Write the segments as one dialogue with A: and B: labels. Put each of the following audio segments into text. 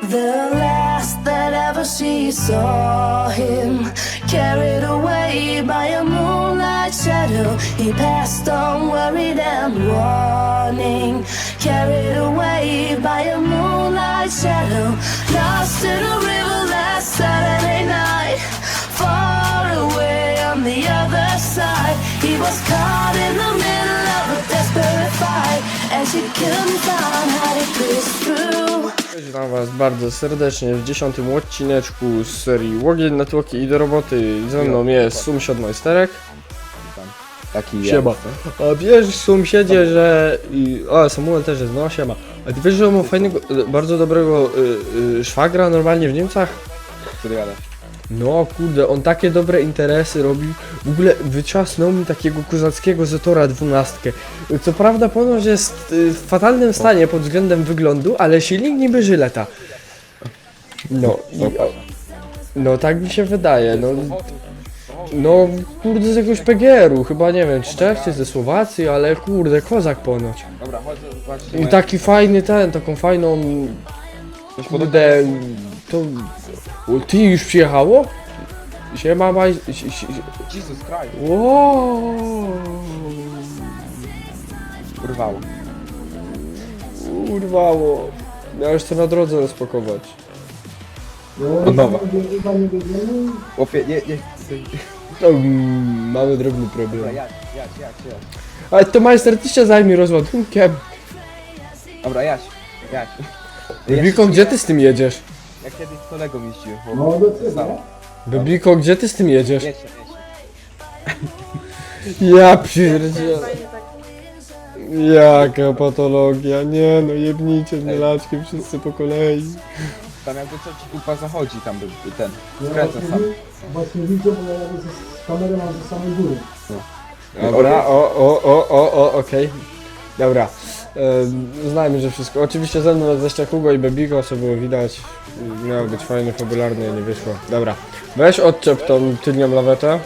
A: The last that ever she saw him, carried away by a moonlight shadow. He passed on worried and warning, carried away by a moonlight shadow. Lost in a river last Saturday night, far away on the other side. He was caught in the middle of a desperate fight, and she couldn't find how to push through.
B: Witam was bardzo serdecznie w 10. odcineczku z serii Łogień na tłoki i do roboty. Ze mną jest Sumsiad Majsterek.
C: Taki
B: Siema. A wiesz, Sumsiedzie, że... O, Samuel też jest, no siema. A ty wiesz, że on ma fajnego, bardzo dobrego szwagra normalnie w Niemcach?
C: który jadę.
B: No kurde, on takie dobre interesy robił. W ogóle wyciasnął mi takiego kozackiego Zetora 12. Co prawda ponoć jest w fatalnym stanie pod względem wyglądu, ale silnik niby Żyleta. No, no tak mi się wydaje, no kurde z jakiegoś PGR-u, chyba nie wiem, z Czech czy ze Słowacji, ale kurde, kozak ponoć.
C: Dobra, chodź, zobaczcie.
B: I taki fajny taką fajną, kurde, to... O, ty już przyjechało? Siema,
C: Jesus Christ.
B: Wow.
C: Urwało.
B: Urwało. Ja już chcę na drodze rozpakować.
C: Od nowa. Łopie, nie.
B: No, mamy drobny
C: Dobra,
B: problem.
C: jadź.
B: Ale to majster, ty się zajmij rozładunkiem.
C: Dobra, jadź.
B: Bebiko, gdzie ty z tym jedziesz?
C: Jak kiedyś z kolegą jeździłem.
D: No,
C: Stało.
B: Bebiko, gdzie ty z tym jedziesz?
C: Jedź.
B: Ja pierdzielę. Jaka patologia, nie no, jebnijcie mnie laczkiem wszyscy po kolei.
C: Tam jakby co ci kupa zachodzi, tam by ten. Skręca sam.
D: Właśnie widzę, bo ja jadę z kamerą mam ze samej góry.
B: Dobra, okej. Dobra, znajmy, że wszystko. Oczywiście ze mną jest jeszcze Hugo i Bebiko, co było widać. Miało być fajne, fabularne, nie wyszło. Dobra, weź odczep tą tylnią lawetę.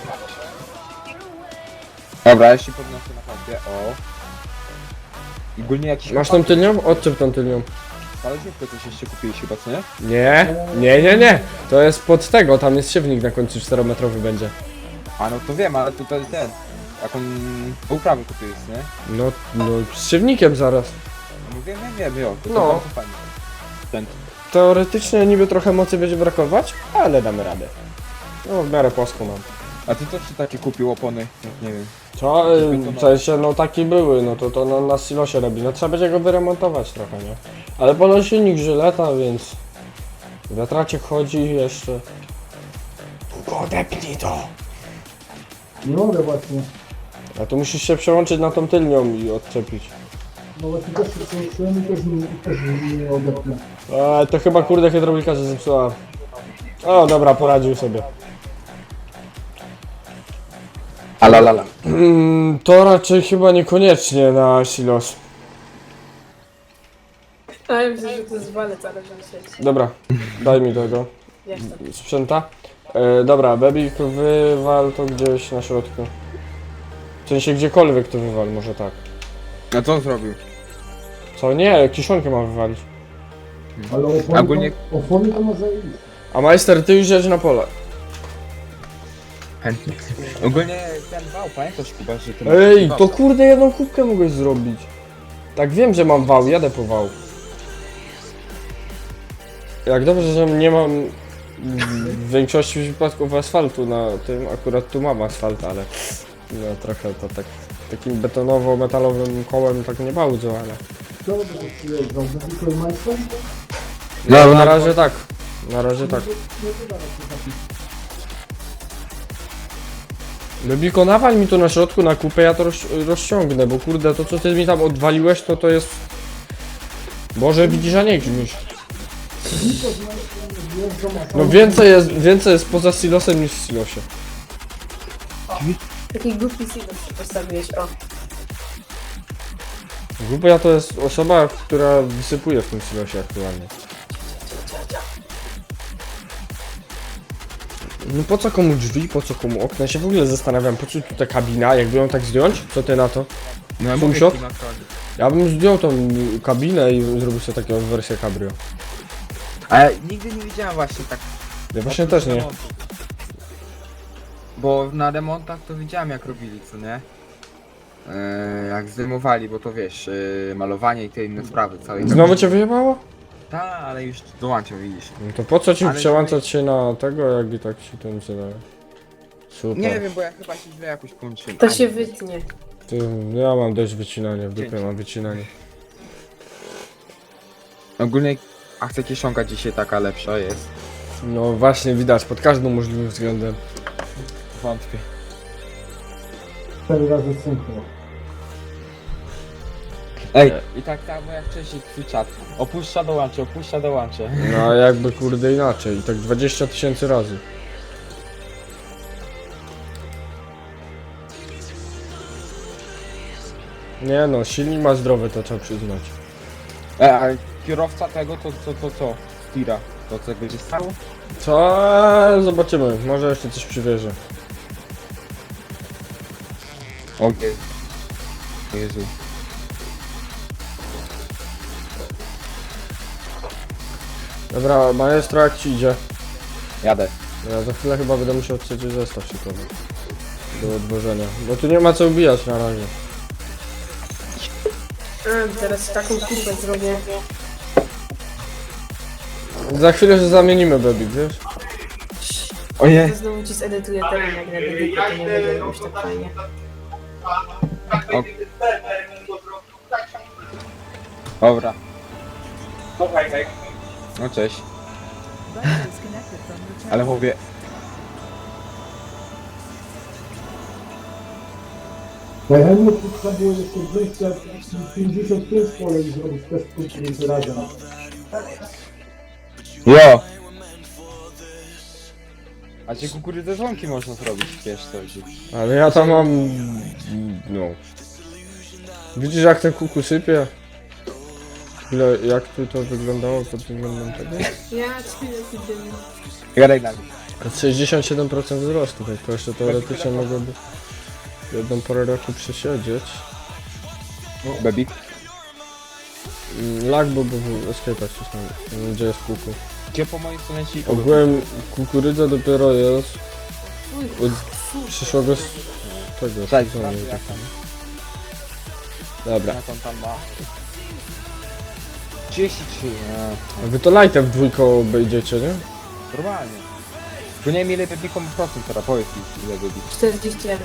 C: Dobra, ja się podnoszę na chacie. O. I ogólnie jakiś...
B: Masz tą tylnią? Odczep tą tylnią.
C: Talerzówkę coś jeszcze kupiłeś chyba, co nie?
B: Nie. To jest pod tego, tam jest siewnik na końcu 4-metrowy będzie.
C: A no to wiem, ale tutaj ten... Jaką uprawę kupiłeś, nie?
B: No z siewnikiem zaraz.
C: No wiem, jo. To
B: No.
C: bardzo fajnie. Ten.
B: Teoretycznie niby trochę mocy będzie brakować, ale damy radę. No w miarę płasko mam.
C: A ty też takie kupił opony? Nie wiem.
B: Co? W sensie, no takie były, no to na silosie robi. No trzeba będzie go wyremontować trochę, nie? Ale ponoć silnik Żyleta, więc... Wiatraciek chodzi jeszcze. Tylko odepnij to!
D: Nie mogę właśnie.
B: A tu musisz się przełączyć na tą tylnią i odczepić.
D: No właśnie też się przełączyłem i też nie odepnę.
B: A to chyba kurde hydraulika się zepsuła. O dobra, poradził sobie.
C: Alalala.
B: To raczej chyba niekoniecznie na silos.
E: A ja myślę, że to jest walec, ale że sieć.
B: Dobra, daj mi tego
E: Jestem.
B: sprzęta. Dobra, Bebik, wywal to gdzieś na środku. W sensie gdziekolwiek to wywal, może tak.
C: A co on zrobił?
B: Co? Nie, kiszonkę mam wywalić.
D: Ale opony,
C: Ogólnie-
D: opony to ma zajebiste.
B: A majster, ty już jedź na pole.
C: Chętnie. Ogólnie ten wał, pamiętasz Kuba, że ten...
B: Ej, to kurde jedną kubkę mogłeś zrobić. Tak wiem, że mam wał, jadę po wał. Jak dobrze, że nie mam w większości przypadków asfaltu na tym, akurat tu mam asfalt, ale no trochę to tak takim betonowo-metalowym kołem tak nie bardzo, ale
D: Co by to przyjeżdżał? Za tylko majster?
B: no, na razie tak, na razie tak. Bebiko, nawal mi to na środku na kupę, ja to rozciągnę, bo kurde, to co ty mi tam odwaliłeś, to jest... Boże, widzisz, a nie gdzieś. No więcej jest poza silosem niż w silosie.
E: Taki głupi silos postawiłeś, o.
B: Głupia to jest osoba, która wysypuje w tym silosie aktualnie. No po co komu drzwi, po co komu okna? Ja się w ogóle zastanawiam, po co tu ta kabina, jakby ją tak zdjąć? Co ty na to?
C: No ja
B: Sumsiad?
C: mówię,
B: Ja bym zdjął tą kabinę i zrobił sobie taką wersję cabrio.
C: A ja nigdy nie widziałem właśnie tak.
B: Ja właśnie też nie.
C: remontów. Bo na remontach to widziałem jak robili, co nie? Jak zdejmowali, bo to wiesz, malowanie i te inne sprawy całej.
B: Znowu cię wyjebało?
C: Tak, ale już dołączam, widzisz.
B: No to po co ci
C: Ale
B: przełączać się na tego, jak i tak się to nie daje? Super.
C: Nie wiem, bo ja chyba się źle jakoś połączyłem.
E: To się wytnie.
B: Ty, ja mam dość wycinania, w dupie mam wycinanie.
C: Ogólnie akcja kieszonka dzisiaj taka lepsza jest.
B: No właśnie widać, pod każdym możliwym względem.
C: Wątpię.
D: 4 razy synchro.
C: Ej, i tak samo jak wcześniej twój czat. Opuszcza, dołączę, opuszcza, dołączę.
B: No a jakby kurde inaczej, i tak 20 000 razy. Nie no, silnik ma zdrowy, to trzeba przyznać.
C: A kierowca tego to co? Tira. To co będzie stało?
B: Co? Zobaczymy, może jeszcze coś przywiezie.
C: Okej. Jezu.
B: Dobra, maestro, jak ci idzie?
C: Jadę.
B: Ja za chwilę chyba będę musiał trzeci zestaw szykować. Do odwożenia. Bo tu nie ma co ubijać na razie.
E: A, teraz taką kurwę zrobię.
B: Za chwilę się zamienimy, Bebik, wiesz?
C: Ojej.
E: To znowu ci zedytuję teren, jak na dedykę, to nie będzie jakoś tak fajnie.
C: Dobra. No cześć. Ale mówię.
D: Najchętniej trzeba było jeszcze 255 pole i zrobić też punkt razem.
C: Jo! A ci kukurydzę dzwonki można zrobić, wiesz co chodzi.
B: Ale ja tam mam... no... Widzisz jak ten kuku sypie? Ile, jak tu to wyglądało pod względem tego?
E: Ja ci nie
C: Gadaj na mnie.
B: 67% wzrostu, tak to jeszcze teoretycznie mogłoby jedną porę roku przesiedzieć.
C: Bebik.
B: Lag był w escape'ach cisnął, gdzie jest kuku.
C: Gdzie po mojej stronie ci...
B: Ogółem kukurydza dopiero jest od przyszłego tego
C: Cześć,
B: sezonu.
C: jak tam?
B: Dobra.
C: Jak on tam ma? 33,
B: A wy to lightem w dwójką obejdziecie, nie?
C: normalnie. Tu nie wiem ile bebikom procent teraz, powiedz mi ile bebik.
E: 41.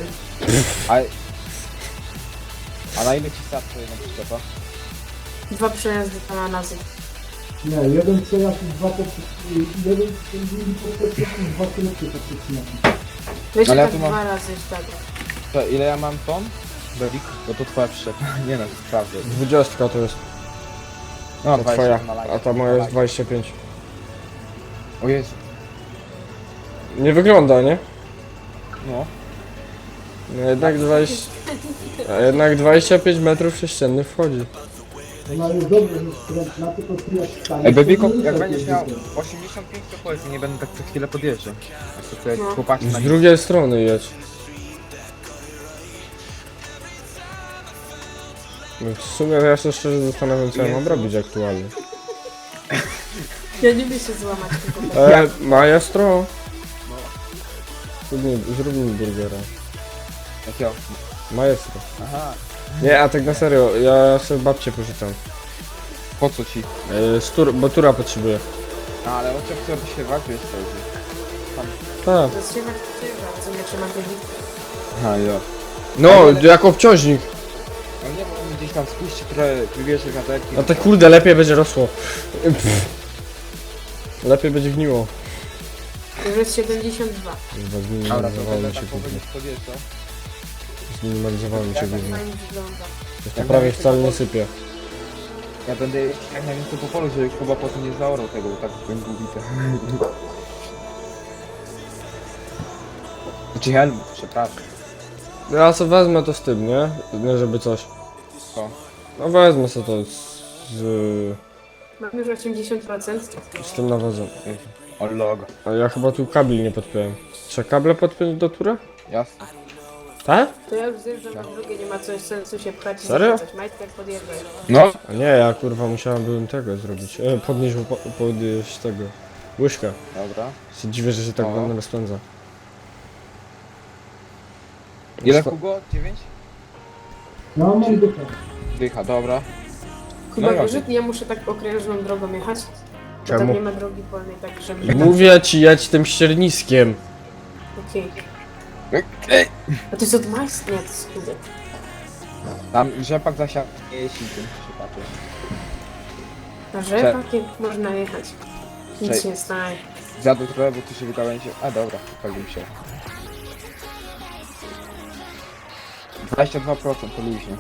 C: A na ile ci starczy jedna przyczepa?
E: 2 przejazdy tam na nazy.
D: Nie, jeden przejazd i jeden drugi podkreślnik i 2 krótkie podkreślniki.
E: Wiecie,
C: Ale ja
E: tak
C: tu mam-
E: 2 razy już tak.
C: To ile ja mam ton? Bebik? Bo to twoja przyczepa. Nie no, sprawdzę.
B: 20 to jest,
C: No,
B: to twoja,
C: 20 na live.
B: a ta moja jest 25.
C: O Jezu.
B: Nie wygląda, nie?
C: No.
B: No jednak 20... A jednak 25 metrów sześciennych wchodzi.
D: Ona jest dobra, że skrętna, tylko tu jak stanie.
C: Ej, Bebiko,
D: to nie
C: jak
D: ruszaj
C: będziesz
D: tym
C: miał
D: biegiem.
C: 85 to powiedz, nie będę tak co chwilę podjeżdżał. A to tutaj
E: No.
C: chłopaki na
B: Z drugiej strony jedź. No w sumie ja się szczerze zastanawiam, co ja mam robić aktualnie.
E: Ja nie lubię się złamać tylko tak.
B: Maestro! Zrób mi burgera.
C: Jakiego?
B: Maestro.
C: Aha.
B: Nie, a tak na serio, ja sobie babcię pożyczam.
C: Po co ci?
B: Bo tura potrzebuję.
C: A, ale o czym chcę wyśpiewać, wiesz co chodzi.
B: Tak.
E: Rozsiewać co nie trzeba dedykę.
C: Aha, jo.
B: No, jak obciążnik.
C: No nie, bo on gdzieś tam spuści trochę, wybierze wiaderki.
B: A te kurde lepiej będzie rosło. Pff. Lepiej będzie gniło.
E: Już jest 72.
C: Dobra, to
B: Zminimalizowało
C: będę
B: mi się
C: tak
B: gówno.
C: powoli podjeżdżał.
B: Zminimalizowało mi się
E: Tak
B: gówno.
E: fajnie wygląda.
B: To prawie wcale nie sypie.
C: Ja będę jak najwięcej po polu, żeby chyba potem nie zaorał tego, bo tak będzie ubite. Znaczy helm, przepraszam.
B: Ja sobie wezmę to z tym, nie? Nie żeby coś.
C: Co?
B: No wezmę sobie to
E: Mam już 80%.
B: z tym nawozem.
C: O logo.
B: A ja chyba tu kabli nie podpiąłem. Trzeba kable podpiąć do tura?
C: Jasne.
B: Tak?
E: To ja już zjeżdżam na drugą, nie ma coś sensu się pchać i
B: Serio?
E: coś. Majtek podjeżdżaj.
C: No,
B: A nie, ja kurwa musiałem tego zrobić. Podnieść tego. Łyżkę.
C: dobra.
B: Się dziwię, że się tak
C: O.
B: wolno rozpędza.
C: Ile Hugo? 9?
D: No, mam dychę.
C: Dycha, dobra.
E: Kuba,
C: No
E: wiesz,
C: i
E: że ja muszę tak okrężną drogą jechać? Bo
B: Czemu?
E: tam nie ma drogi wolnej, tak żeby...
B: Mówię ci, jedź tym ścierniskiem.
E: Okej. A to jest od Majs? Nie, to jest Kuba.
C: Tam rzepak zasiadł. Jeśli tym się patrzy.
E: Na rzepakiem można jechać. Nic
C: Cześć.
E: się nie stanie.
C: Zjadł trochę, bo tu się wygałęzie. A dobra, wypalił się. 22% to luźnie.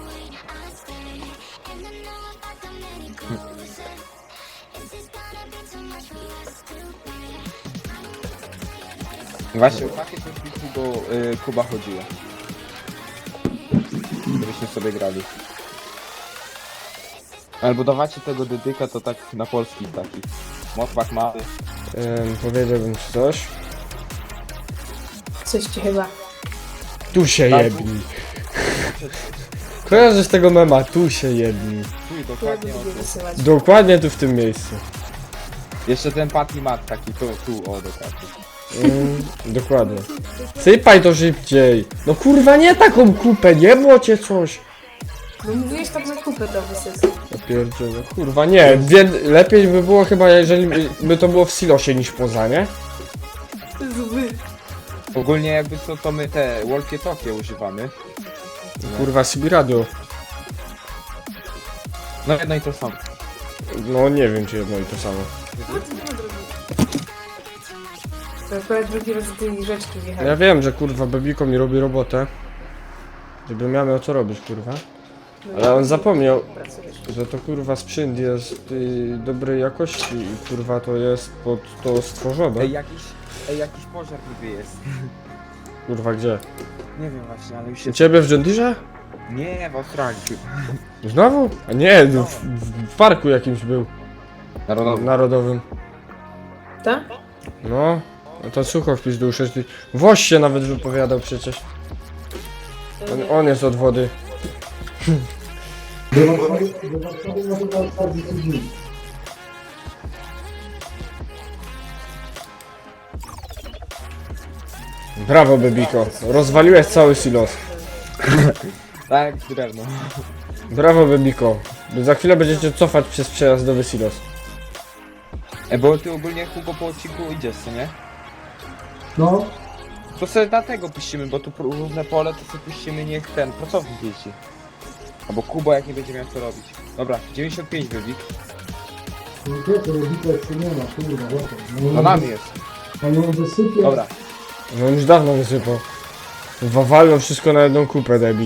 C: Właśnie o takie coś mi Kuba chodziło. Gdybyśmy sobie grali. Albo dawacie tego dedyka to tak na polskich takich. Motbach mały.
B: Powiedziałbym ci coś.
E: Coś ci chyba.
B: Tu się
C: Tak.
B: jebni. Kojarzysz tego mema? Tu się jebni.
C: Tu
E: Ja
C: dokładnie o
E: lubię
C: tu.
E: wysyłać.
B: Dokładnie tu w tym miejscu.
C: Jeszcze ten Patty Mat taki, tu, o dokładnie.
B: Dokładnie. Sypaj to szybciej. No kurwa, nie taką kupę, nie było cię coś.
E: No mówiłeś tak na kupę to wysyłać.
B: Ja pierdzielę, kurwa, nie. Lepiej by było chyba, jeżeli by to było w silosie niż poza, nie?
E: Zły.
C: Ogólnie jakby co, to my te walkie-talkie używamy.
B: Kurwa, CB radio.
C: No jedno i to samo.
B: No nie wiem, czy jedno i to samo.
E: A, to nie ma drogi. To akurat drugi raz do tej rzeczki
B: Ja
E: wjechałem.
B: wiem, że kurwa Bebiko mi robi robotę. Żebym ja miał co robić, kurwa.
E: No
B: Ale on zapomniał,
E: pracujesz.
B: że to kurwa sprzęt jest dobrej jakości i kurwa to jest pod to stworzone.
C: Jakiś pożar niby jest.
B: Kurwa, gdzie?
C: Nie wiem właśnie, ale już
B: U
C: się...
B: ciebie w John Deere?
C: Nie, w Australii.
B: Znowu? A nie, w parku jakimś był.
C: Narodowy.
B: Narodowym.
E: Tak?
B: No, no to sucho w pizdu 6. Woś się nawet wypowiadał przecież. On jest od wody.
D: Do Warszawy na to 40 dni.
B: Brawo, Bebiko. Rozwaliłeś cały silos.
C: Tak, drewno.
B: Brawo, Bebiko. Za chwilę będziecie cofać przez przejazdowy silos.
C: Bo ty ogólnie Hugo po odcinku idziesz, co nie?
D: No,
C: To sobie dlatego puścimy, bo tu różne pole, to sobie puścimy, niech ten pracownik jeździ. Albo Kuba, jak nie będzie miał co robić. Dobra, 95 wybik.
D: no to robicie jeszcze nie ma, kurwa, łapę.
C: To nami jest.
D: On ją wysypie.
C: Dobra.
B: No już dawno wysypał. Wawalił wszystko na jedną kupę, debil.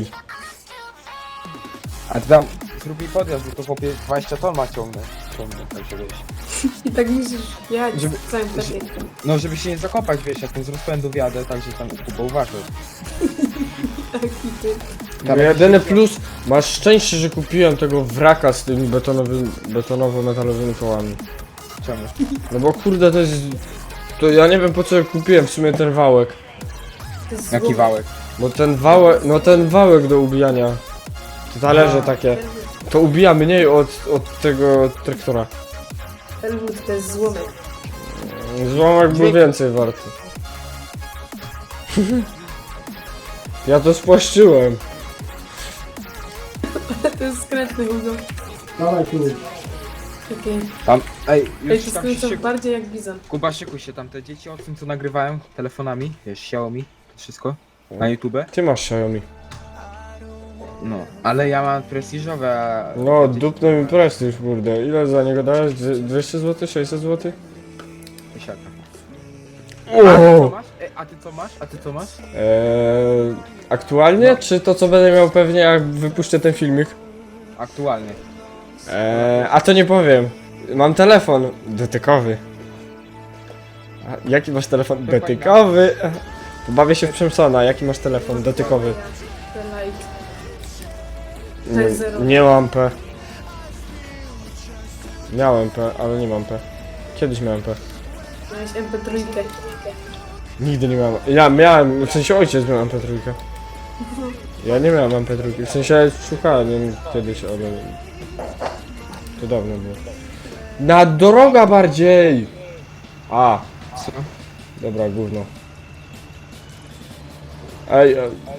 C: A ty tam zrób mi podjazd, bo to chłopie 20 ton ma ciągnę, tak się wiesz.
E: I tak musisz jechać
C: Żeby-
E: z całym pakiecie.
C: No żeby się nie zakopać, wiesz, jak ten z rozpędu wjadę, także tam Kuba uważaj.
E: Taki ty.
C: Tam
B: Jedyny plus, masz szczęście, że kupiłem tego wraka z tymi betonowo-metalowymi kołami.
C: Czemu?
B: No bo kurde, to jest... To ja nie wiem, po co ja kupiłem w sumie ten wałek.
E: To jest
C: Jaki
E: zło.
C: wałek?
B: Bo ten wałek, no ten wałek do ubijania. Te talerze takie. To ubija mniej od tego traktora.
E: Elwood to jest złomek.
B: Złomek był więcej warty. Ja to spłaszczyłem.
E: To jest skrętny Hugo.
D: Dawaj tu.
E: Okej.
C: Tam, ej,
E: Ej,
C: już
E: to
C: tam się
E: skręcą
C: szykuj.
E: bardziej jak bizon.
C: Kuba, szykuj się tam, te dzieci o tym co nagrywają telefonami, wiesz, Xiaomi, wszystko, na YouTube.
B: Ty masz Xiaomi.
C: No, ale ja mam prestiżowe, a...
B: No, dupny mi prestiż, kurde. Ile za niego dałeś? 200 zł? 600 zł?
C: Tysiaka. A ty co
B: O!
C: masz? A ty co masz?
B: Aktualnie? Czy to co będę miał pewnie jak wypuszczę ten filmik?
C: Aktualnie.
B: A to nie powiem. Mam telefon dotykowy. A, jaki masz telefon? Dotykowy? Bawię się w Przemsona. Jaki masz telefon dotykowy?
E: Te light. To jest zero.
B: Nie mam P. Miałem P, ale nie mam P. Kiedyś miałem P.
E: Miałeś MP3.
B: Nigdy nie miałem. Ja miałem, w sensie ojciec miał MP3. Ja nie miałem MP2, w sensie szukałem kiedyś, ale to dawno było. Na droga bardziej! A,
C: Co?
B: dobra, gówno. Ej,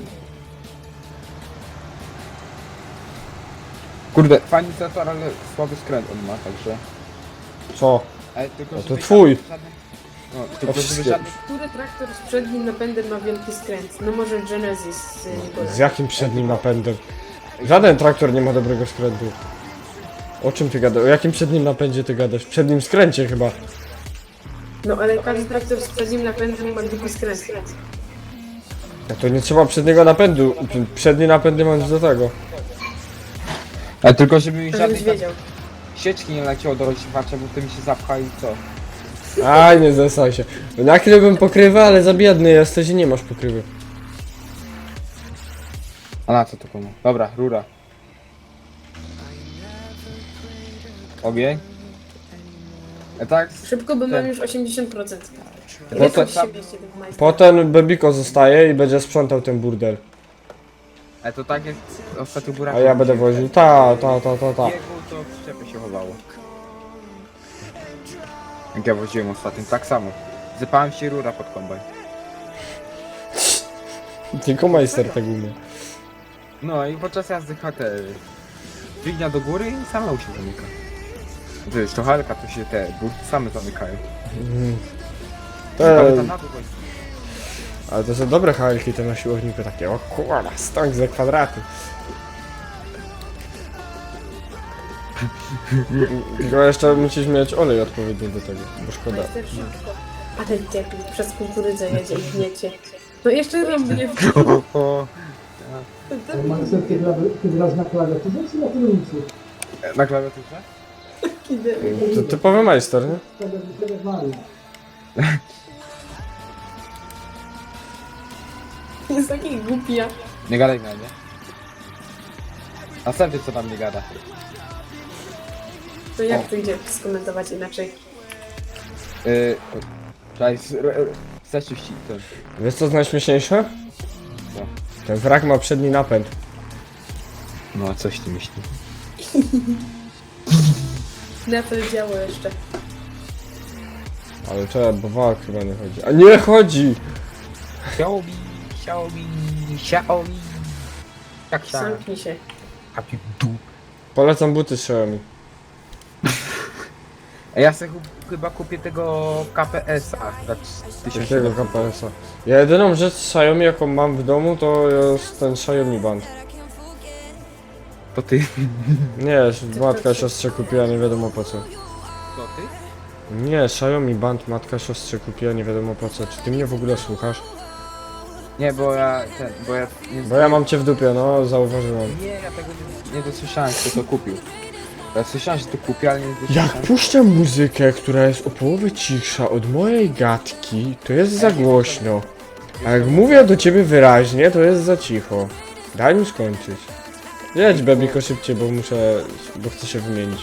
C: Kurde, fajny zator, ale słaby skręt on ma, także...
B: co?
C: Ale tylko,
B: No to
C: żeby
B: twój.
C: żaden- No, tylko żeby
B: wszystkie.
C: żaden...
E: Który traktor z przednim napędem ma wielki skręt? No może Genesis.
B: Z jakim przednim napędem? Żaden traktor nie ma dobrego skrętu. O czym ty gadasz? O jakim przednim napędzie ty gadasz? Przednim skręcie chyba.
E: No ale każdy traktor z przednim napędem ma wielki skręt.
B: No to nie trzeba przedniego napędu. Przednie napędy mam do tego.
C: Ale tylko żeby mi
E: To
C: żadnej
E: żebyś wiedział.
C: sieczki nie leciało do rozsiewacza, bo to mi się zapcha i co?
B: Aj, nie zesaj się. Nakryłbym pokrywę, ale za biedny jesteś i nie masz pokrywy.
C: A na co to komu? Dobra, rura. Ogień. Tak?
E: Szybko, bo mam
C: Ten.
E: już 80%.
C: No
E: Ile
C: to
E: to
C: tam-
E: się mieści tych majstrów?
B: Potem Bebiko zostaje i będzie sprzątał ten burdel.
C: Ale to tak jak ostatnio góra.
B: A ja będę woził. Ta.
C: Biegł, to w przyczepie się chowało. Jak ja woziłem ostatnio, tak samo. Zypałem się rura pod kombaj.
B: Tylko majster tego umie.
C: No i podczas jazdy HT dźwignia do góry i sama się zamyka. To jest to halka, to się te burty same zamykają. Ale
B: Te,
C: tam na dół chodzi.
B: ale to są dobre halki te na siłowniku takie. O kurwa, stok za kwadraty. Tylko jeszcze musisz mieć olej odpowiedni do tego, bo szkoda.
E: Majster szybko. Ale debil, przez kukurydzę jedzie i gniecie. No jeszcze robię.
D: Marcel, ty grasz na klawiaturze czy na kierownicy?
C: Na klawiaturze?
B: To typowy majster, nie?
D: Tak jak Mario.
E: Jest taki głupia.
C: Nie gadaj na mnie. Następny co tam nie gada.
E: To jak to idzie skomentować inaczej?
C: Czekaj, chcesz już ten.
B: Wiesz co jest najśmieszniejsze?
C: Co?
B: Ten wrak ma przedni napęd.
C: No, coś ty myśli.
E: Na to działo jeszcze.
B: Ale trzeba, bo wrak chyba nie chodzi. A nie chodzi!
C: Xiaomi. Jak się?
E: Zamknij się.
C: Happy du.
B: Polecam buty z Xiaomi.
C: A ja sobie chyba kupię tego KPS-a za 1000
B: Jakiego KPS-a? Ja jedyną rzecz z Xiaomi jaką mam w domu to jest ten Xiaomi Band.
C: To ty.
B: Nie, matka siostrze kupiła nie wiadomo po co.
C: To ty?
B: Nie, Xiaomi Band matka siostrze kupiła nie wiadomo po co. Czy ty mnie w ogóle słuchasz?
C: Nie, bo ja nie
B: Bo ja mam cię w dupie, no zauważyłem.
C: Nie, ja tego nie dosłyszałem, kto to kupił. Ja słyszałem, że to kupił, ale nie
B: Jak
C: dosłyszałem.
B: puszczam muzykę, która jest o połowę cichsza od mojej gadki, to jest za głośno. A jak mówię do ciebie wyraźnie, to jest za cicho. Daj mi skończyć. Jedź Bebiko szybciej, bo chcę się wymienić.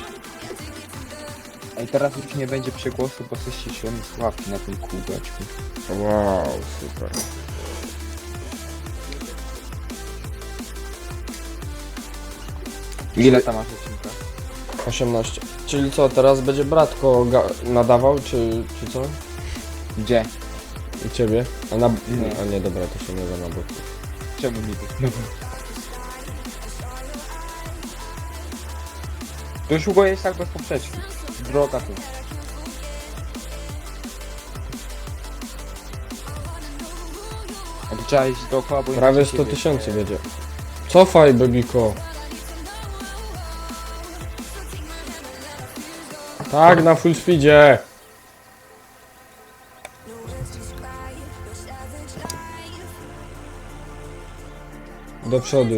C: I teraz już nie będzie przegłosu, bo coś się świetnie sławki na tym kółeczku.
B: Wow, super.
C: Ile tam masz odcinka?
B: 18. Czyli co, teraz będzie bratko nadawał, czy co?
C: Gdzie?
B: I ciebie? A na...
C: Nie.
B: A nie, dobra, to się nie da na boku.
C: Czemu niby? No. To już Hugo jest tak bez poprzeczki. Droga tu. A tu trzeba iść dookoła, bo
B: Prawie
C: inaczej
B: 100
C: się
B: tysięcy wiedzie. Cofaj, Bebiko. Tak, na full speedzie. Do przodu.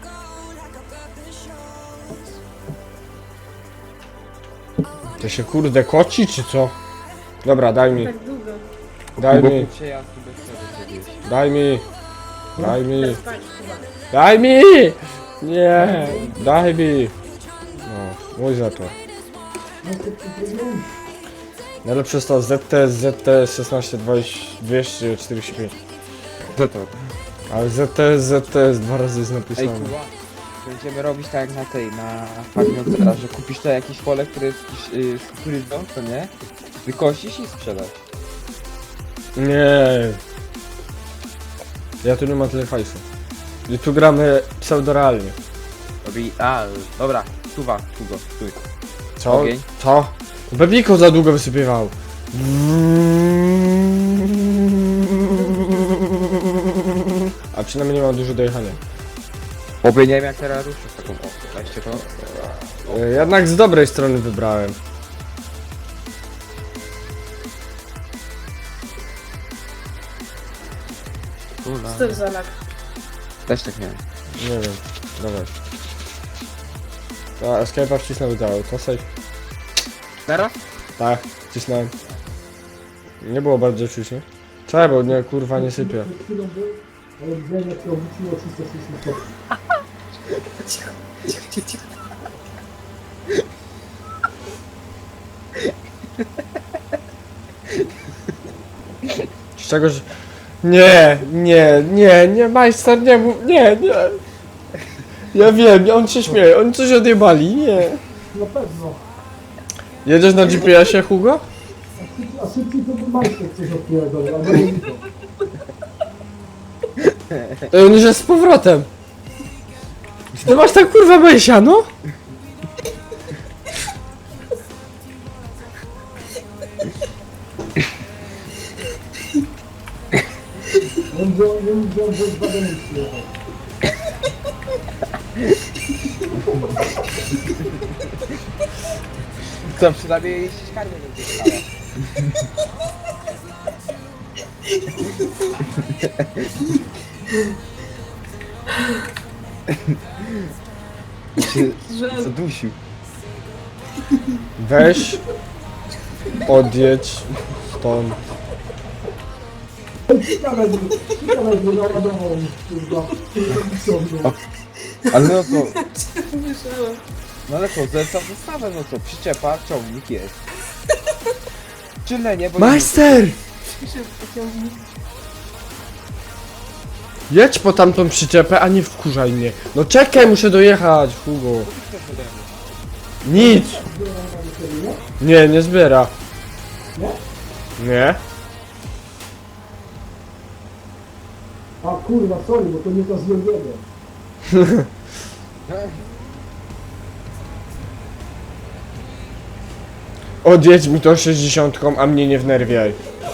B: To się kurde koci, czy co? Dobra, daj mi.
E: Tak długo.
B: Daj
C: Hugo
B: mi.
C: przejazd bez tego zrobiłeś.
B: Daj mi. Daj mi.
E: Spać chyba.
B: Daj mi! Nie! Daj mi! No, mój za to. Najlepsze jest to ZTS 16 245.
C: Co to?
B: Ale ZTS, dwa razy jest
C: Ej,
B: napisane.
C: Kuba, będziemy robić tak jak na tej, na farmie teraz, że kupisz to jakieś pole, które jest z kukurydzą, to nie? Wykosisz i sprzedasz.
B: Nie. Ja tu nie mam tyle hajsu. I tu gramy pseudorealnie.
C: Dobra, Kuba, stój.
B: Co?
C: Ogień.
B: Co? Bebiko za długo wysypywał. A przynajmniej nie mam dużo dojechania.
C: Oby nie wiem jak teraz ruszysz taką weźcie to.
B: Jednak z dobrej strony wybrałem.
E: Co to za lag?
C: Też tak miałem.
B: Nie wiem. Dawaj. A, escape'a wcisnął udało. To safe.
C: Teraz?
B: Tak, wcisnąłem. Nie było bardzo czuć, nie? Czekaj, bo nie, kurwa, nie sypie.
D: Przed chwilą był, ale widziałem jak to obróciło 360 stopni.
B: Z czego, że... Nie, majster, nie mów, nie. Ja wiem, on się śmieje, oni coś odjebali, nie.
D: Na pewno.
B: Jedziesz na GPS-ie, Hugo?
D: A szybciej to by majster coś odpowiadał, albo nie widzą.
B: To on już jest z powrotem. Ty masz tak kurwa Besia, no?
D: On wziął Volkswagen i przyjechał.
C: Co, przynajmniej jeśli karmę nie dostała.
E: Że
C: Zadusił.
B: Weź, odjedź stąd.
D: Ciekawe, że naładował mi, kurwa.
C: Ale no co,
E: myślałam.
C: no ale co, zlecam wystawę, no co, przyczepa, ciągnik jest. Czyle nie, bo...
B: Majster!
E: Piszę w pociągnik.
B: Jedź po tamtą przyczepę, a nie wkurzaj mnie. No czekaj, muszę dojechać, Hugo. Nic! Nie, nie zbiera. Nie?
D: A kurwa, sorry, bo to nie to z Jorgiego.
B: Odjedź mi to 60, a mnie nie wnerwiaj.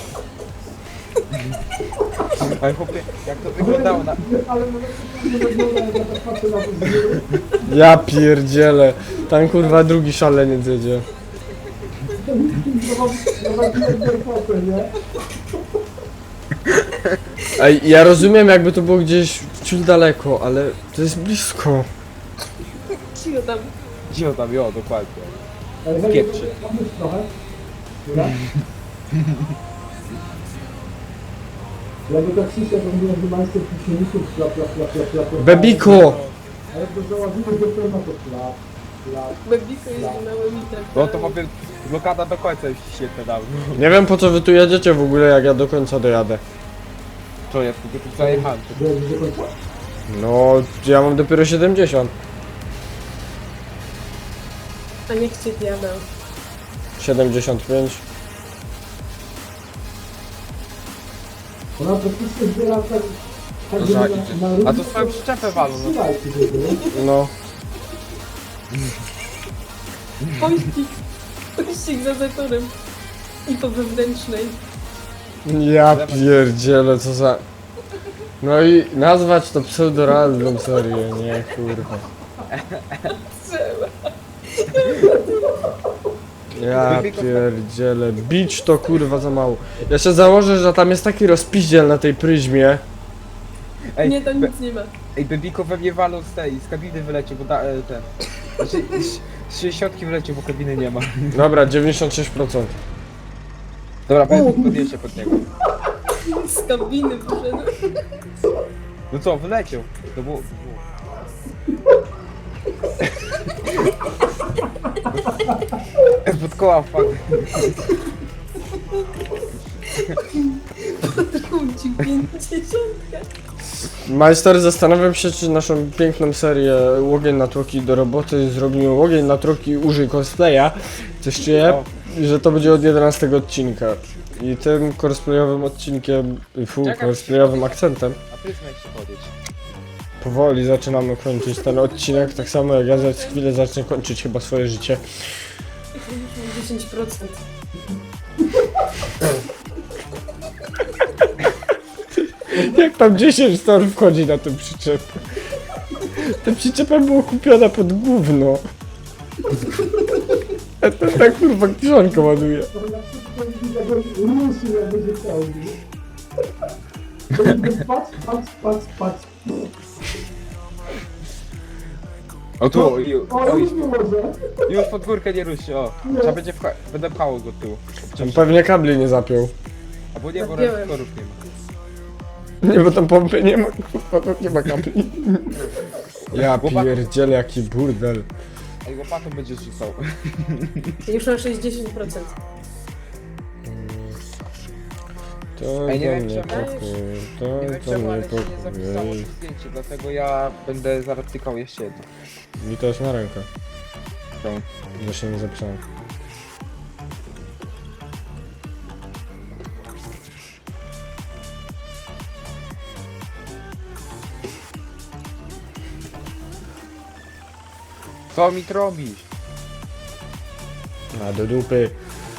C: Ale chłopie, jak to wyglądało na...
D: Ale nawet nie wygląda, jak ja tak patrzę na to z góry.
B: Ja pierdzielę. Tam kurwa drugi szaleniec jedzie.
D: Nie?
B: Ej, ja rozumiem jakby to było gdzieś ciut daleko, ale to jest blisko.
E: Cicho tam.
C: Gdzie tam, jo, dokładnie.
D: Ale weź,
C: Kieprzy.
D: pomyśl trochę. Dobra? Jakby tak przyszedł, to mówiłem, że majster silników, plap.
B: Bebiko!
D: Ale jak to załaziłeś do pełna, to plap.
E: Bebiko jest na łemitek.
C: No to powiem, blokada do końca już świetne dawno.
B: Nie wiem po co wy tu jedziecie w ogóle, jak ja do końca dojadę.
C: Co, ja tylko tu zajechałem.
D: Że do końca.
B: No, ja mam dopiero 70.
E: A niech cię diabeł.
B: 75.
D: Ona praktycznie zbiera tak,
C: No,
D: żeby
C: tak.
D: na
C: A to swoją przyczepę walą, no.
D: Słuchajcie, żeby,
B: No.
E: Pościg za zatorem. I po wewnętrznej.
B: Ja pierdzielę, co za... No i nazwać to pseudorandom serię, nie kurwa.
E: Trzeba.
B: Ja pierdzielę, bić to kurwa za mało. Jeszcze założę, że tam jest taki rozpiździel na tej pryzmie.
C: Ej,
E: Nie, tam nic nie ma.
C: Ej, Bebiko we mnie walą z kabiny wyleciał, bo ten... Znaczy, z 60 wyleciał, bo kabiny nie ma.
B: Dobra, 96%.
C: Dobra, podjeżdżę pod niego.
E: Z kabiny wyszedł.
C: No co, wyleciał. To było... Pod koła wpadł.
E: ci 50.
B: Majster, zastanawiam się, czy naszą piękną serię Łogień na Tłoki do roboty zrobimy Łogień na Tłoki użyj cosplaya. Coś czuję, że to będzie od 11 odcinka. I tym cosplayowym odcinkiem, cosplayowym akcentem
C: A pryzma jeszcze chodzić.
B: powoli zaczynamy kończyć ten odcinek, tak samo jak ja za chwilę zacznę kończyć chyba swoje życie.
E: Już mam 10%.
B: Jak tam 10 stor wchodzi na tę przyczepę? Ta przyczepa była kupiona pod gówno. A to tak kurwa kiszonkę ładuje.
D: To na przykład tego ruszy, jak będzie chciał, nie? To będzie patrz, patrz, patrz, patrz.
C: O tu,
D: O, już nie może.
C: już pod górkę nie ruszy, o. Trzeba będzie będę pchało go tu.
B: On pewnie kabli nie zapiął.
C: Albo nie, bo
E: Zapiąłem.
C: reaktorów nie ma.
B: Nie, bo tam pompy nie ma, kurwa, to nie ma kabli. Ja
C: Chłopak-
B: pierdzielę, jaki burdel.
C: Ej, łopatą będzie rzucał.
E: Już mam 60%.
B: To
C: Ej, nie
B: do
C: wiem,
B: mnie
C: czemu-
B: pokój, to
C: Nie wiem
B: do
C: czemu,
B: mnie
C: ale się nie zapisało
B: pokój.
C: to zdjęcie, dlatego ja będę zaraz tykał jeszcze jedno.
B: Mi to jest na rękę,
C: Czemu?
B: że się nie zapisałem.
C: Co mi robisz?
B: A do dupy.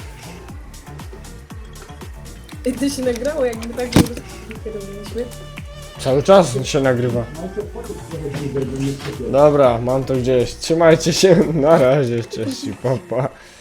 E: I to się nagrało, jakby tak robiliśmy.
B: Cały czas się nagrywa. Dobra, mam to gdzieś. Trzymajcie się, na razie, cześć i papa.